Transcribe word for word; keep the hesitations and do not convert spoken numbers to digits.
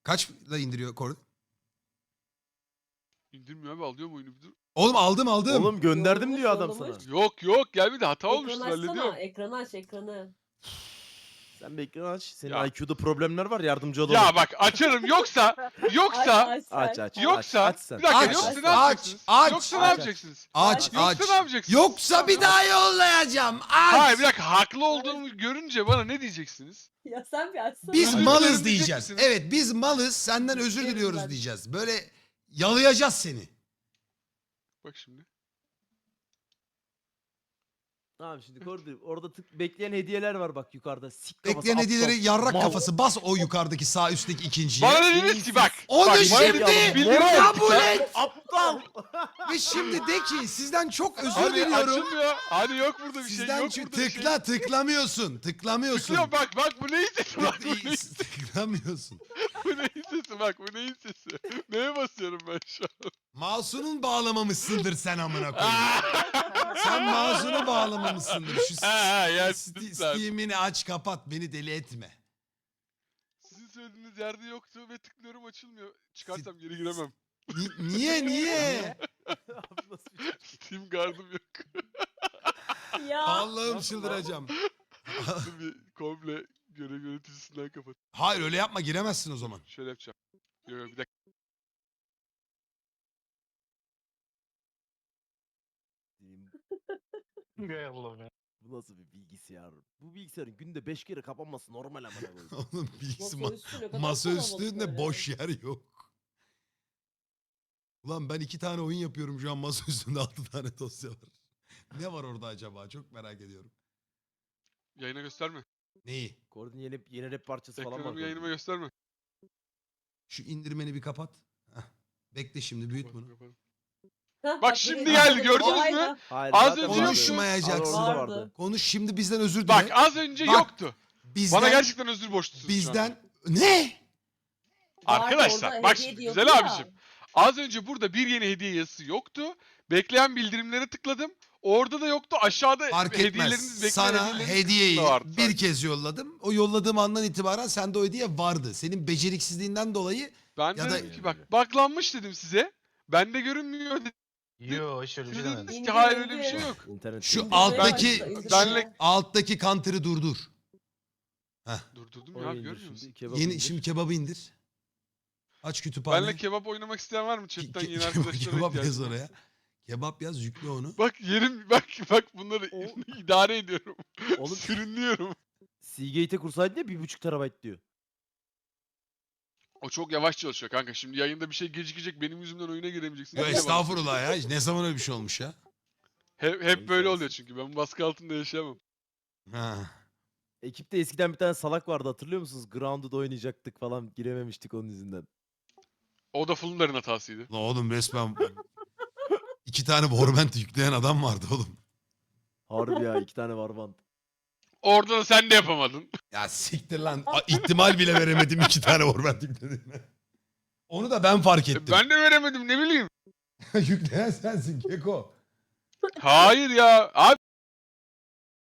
Kaçla indiriyor Cord? İndirmiyor abi, alıyor mu oyunu bir dur. Oğlum aldım aldım. Oğlum gönderdim Yollamış, diyor adam yollamış. sana. Yok yok, gel bir de hata Ekran olmuştur, açsana. hallediyorum. Ekranı aç ekranı. Sen bir ekran aç. Senin Ya. I Q'da problemler var, yardımcı olalım. Ya bak açarım, yoksa yoksa Aç aç Aç sen. aç. yoksa aç, aç sen. bir dakika, Aç, yoksa ne aç, yapacaksınız? aç, Yoksa ne aç. yapacaksınız? Aç Yoksa aç. ne yapacaksınız? Yoksa bir daha yollayacağım. Aç. Hayır bir dakika, haklı olduğumu görünce bana ne diyeceksiniz? Ya sen bir açsana. Biz Özür dilerim malız diyecek diyeceğiz. misiniz? Evet biz malız, senden özür Evet, diliyoruz ben- diyeceğiz. Böyle yalayacağız seni. Bak şimdi. Tamam şimdi Kordi orada tık bekleyen hediyeler var bak yukarıda. Sik kafası, Bekleyen aptal, hediyeleri yarrak mal. kafası bas o yukarıdaki sağ üstteki ikinciye. Bana dediniz ki bak. Onu bak, şimdi bana bildirim kabul yaptık. et. Aptal. Ve şimdi de ki sizden çok özür Hani diliyorum. açılmıyor. Hani yok burada bir şey, Sizden yok çünkü burada bir şey. tıkla tıklamıyorsun. Tıklamıyorsun. Tıklıyor bak bak, bu neyin sesi bak, bu neyin, Tıklamıyorsun. bu neyin sesi bak, bu neyin sesi. Neye basıyorum ben şu an? Mouse'unu bağlamamışsındır sen amına koyayım. Sen mouse'unu bağlamamışsındır. Şu Ha, ha, ya Sti- lütfen. Steam'ini aç kapat beni deli etme. Sizin söylediğiniz yerde yoktu ve tıklıyorum, açılmıyor. Çıkarsam geri giremem. Ni- niye niye? Abi nasıl bir şey? Steam Guard'ım yok. Ya. Allah'ım Nasıl çıldıracağım. Dur bir komple görev yöneticisinden kapat. Hayır öyle yapma giremezsin o zaman. Şöyle yapacağım. Yok yok, bir dakika. Hay Allah'ım ya. Bu nasıl bir bilgisayar? Bu bilgisayarın günde beş kere kapanması normal amına koyayım. Oğlum bilgisi ma Masaüstü ne kadar masa kalabalık üstünde böyle. boş yer yok. Ulan ben iki tane oyun yapıyorum şu an masa üstünde altı tane dosya var. Ne var orada acaba çok merak ediyorum. Yayına gösterme. Neyi? Kordi'nin yeni, yeni rap parçası falan var. Ekranımı yayınıma Kordi'nin. gösterme. Şu indirmeni bir kapat. Heh. Bekle şimdi büyüt bunu. Kapat. Hah, Bak şimdi buraya geldi, geldi. gördünüz Vay mü? be. Hayır, Az zaten önce vardı. Konuşmayacaksın. Orada Vardı. vardı. Konuş şimdi bizden özür dile. Bak az önce Bak, yoktu. bizden, Bana gerçekten özür borçlusunuz şu an. bizden ne? Vardı, Arkadaşlar, orada bak hediye şimdi, diyordu güzel ya. abicim. Az önce burada bir yeni hediye yazısı yoktu. Bekleyen bildirimlere tıkladım. Orada da yoktu. Aşağıda Fark hediyeleriniz, etmez. bekleyen Sana hediyeleriniz hediyeyi kısmında vardı bir sadece. kez yolladım. O yolladığım andan itibaren sende o hediye vardı. Senin beceriksizliğinden dolayı Ben Ya de da- dedim ki bak baklanmış dedim size. Bende görünmüyor dedim. Yo hiç öyle bir Siz şey demedim. dediniz ki İndir, hayır öyle bir indir. şey yok. İnternet şu değil. alttaki başla, indir. benle- alttaki counter'ı durdur. Durdurdum Onu ya abi, indir görmüyor şimdi, musun? kebabı Yeni indir. şimdi kebabı indir. Aç kütüphane. Benle kebap oynamak isteyen var mı chatten, Ke- yeni ke- arkadaşlara kebap yaz ihtiyacım var. oraya. Kebap yaz yükle onu. Bak yerim, bak bak bunları O- idare ediyorum. Oğlum Sürünüyorum. Seagate'e kursaydın ya bir buçuk terabayt diyor. O çok yavaş çalışıyor kanka. Şimdi yayında bir şey gecikecek, benim yüzümden oyuna giremeyeceksin. Yo Bir de bana estağfurullah ya. Ne zaman öyle bir şey olmuş ya? Hep, hep Neyse böyle olsun. oluyor çünkü. Ben baskı altında yaşayamam. Ha. Ekipte eskiden bir tane salak vardı hatırlıyor musunuz? Grounded oynayacaktık falan girememiştik onun yüzünden. O da Fulundar'ın hatasıydı. Lan oğlum resmen iki tane Warband yükleyen adam vardı oğlum. Harbi ya iki tane Warband. Orada da sen de yapamadın. Ya siktir lan. A- ihtimal bile veremedim iki tane Warband yüklediğine. Onu da ben fark ettim. Ben de veremedim, ne bileyim. Yükleyen sensin Keko. Hayır ya. Abi